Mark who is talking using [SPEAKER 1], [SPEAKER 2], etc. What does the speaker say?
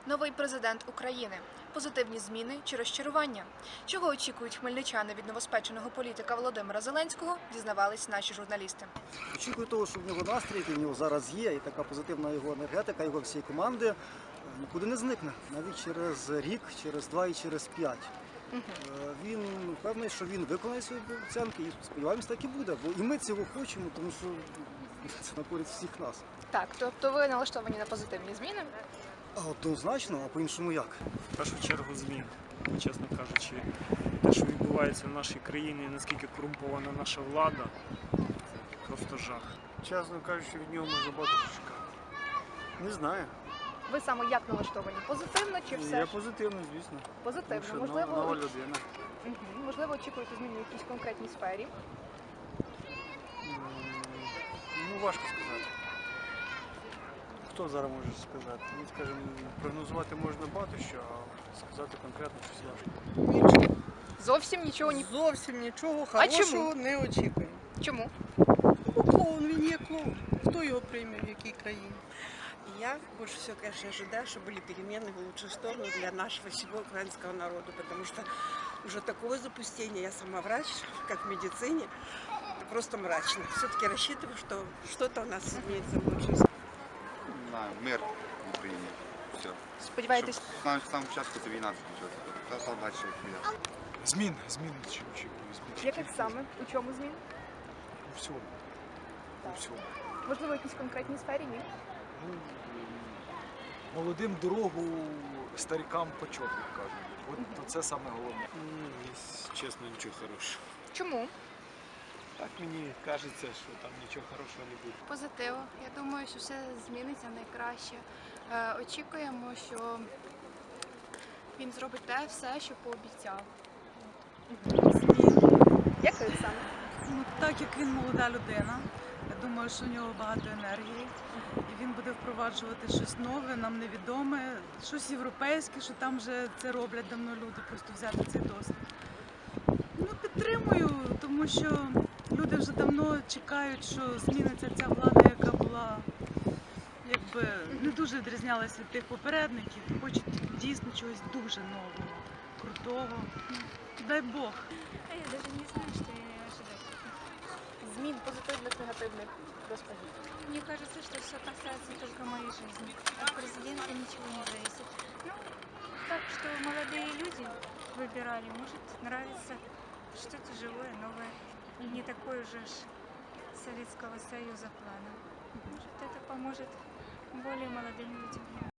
[SPEAKER 1] Новий президент України. Позитивні зміни чи розчарування? Чого очікують хмельничани від новоспеченого політика Володимира Зеленського, дізнавались наші журналісти.
[SPEAKER 2] Очікую того, що в нього настрій, який в нього зараз є, і така позитивна його енергетика, його всієї команди нікуди не зникне. Навіть через рік, через 2 і через 5. Він впевнений, що він виконає свої обіцянки і сподіваємось, так і буде. Бо і ми цього хочемо, тому що це на користь всіх нас.
[SPEAKER 1] Так, тобто ви налаштовані на позитивні зміни?
[SPEAKER 2] Однозначно, а по-іншому як?
[SPEAKER 3] В першу чергу змін, чесно кажучи, те, що відбувається в нашій країні, наскільки корумпована наша влада, це просто жах. Чесно кажучи, від нього можна багато чекати. Не знаю.
[SPEAKER 1] Ви саме як налаштовані? Позитивно чи все?
[SPEAKER 3] Я
[SPEAKER 1] ж?
[SPEAKER 3] позитивно, звісно.
[SPEAKER 1] Позитивно.
[SPEAKER 3] Тому що нова людина.
[SPEAKER 1] Можливо, очікуєте змін в якійсь конкретній сфері?
[SPEAKER 3] Ну, важко сказати. Хто зараз може сказати? Ну, скажімо, прогнозувати можна багато що, а сказати конкретно щось важко.
[SPEAKER 1] Зовсім нічого
[SPEAKER 4] Зовсім нічого
[SPEAKER 1] А чому?
[SPEAKER 4] хорошого не очікуємо.
[SPEAKER 1] Чому?
[SPEAKER 4] Ну, клоун, він є клоун. Хто його прийме, в якій країні?
[SPEAKER 5] Я больше всего, конечно, ожидаю, что были перемены в лучшую сторону для нашего всего украинского народа, потому что уже такое запустение, я сама врач, как в медицине, это просто мрачно. Все-таки рассчитываю, что что-то у нас изменится в лучшую сторону.
[SPEAKER 6] На мир в Україні. Все.
[SPEAKER 1] Сподіваєтесь?
[SPEAKER 6] Щоб з самого початку ця війна закінчилася. Та став далі як
[SPEAKER 3] Змін чи очікую.
[SPEAKER 1] Яких саме? У чому змін?
[SPEAKER 3] У всьому. У всьому.
[SPEAKER 1] Можливо, в якійсь конкретній сфері? Ні?
[SPEAKER 7] Молодим дорогу, старикам почот, як кажуть. От це саме головне.
[SPEAKER 3] Чесно, нічого хорошого.
[SPEAKER 1] Чому?
[SPEAKER 3] Так мені кажеться, що там нічого хорошого не буде.
[SPEAKER 8] Позитив. Я думаю, що все зміниться найкраще. Очікуємо, що він зробить те все, що пообіцяв.
[SPEAKER 1] Яких саме?
[SPEAKER 9] Ну, так як він молода людина, я думаю, що в нього багато енергії, і він буде впроваджувати щось нове, нам невідоме, щось європейське, що там вже це роблять давно люди, просто взяти цей досвід. Ну, підтримую, тому що люди вже давно чекають, що зміниться ця влада, яка була, якби, не дуже відрізнялася від тих попередників, хочуть дійсно чогось дуже нового, крутого. Дай Бог.
[SPEAKER 8] Я навіть не знаю, що я ожидаю.
[SPEAKER 1] Змін позитивних, негативних. Розкажіть.
[SPEAKER 8] Мне кажется, что все касается только моей жизни. От президента ничего не зависит. Ну, так что молодые люди выбирали. Может, нравится что-то живое, новое. Не такое уже ж Советского Союза плана. Может, это поможет более молодым людям.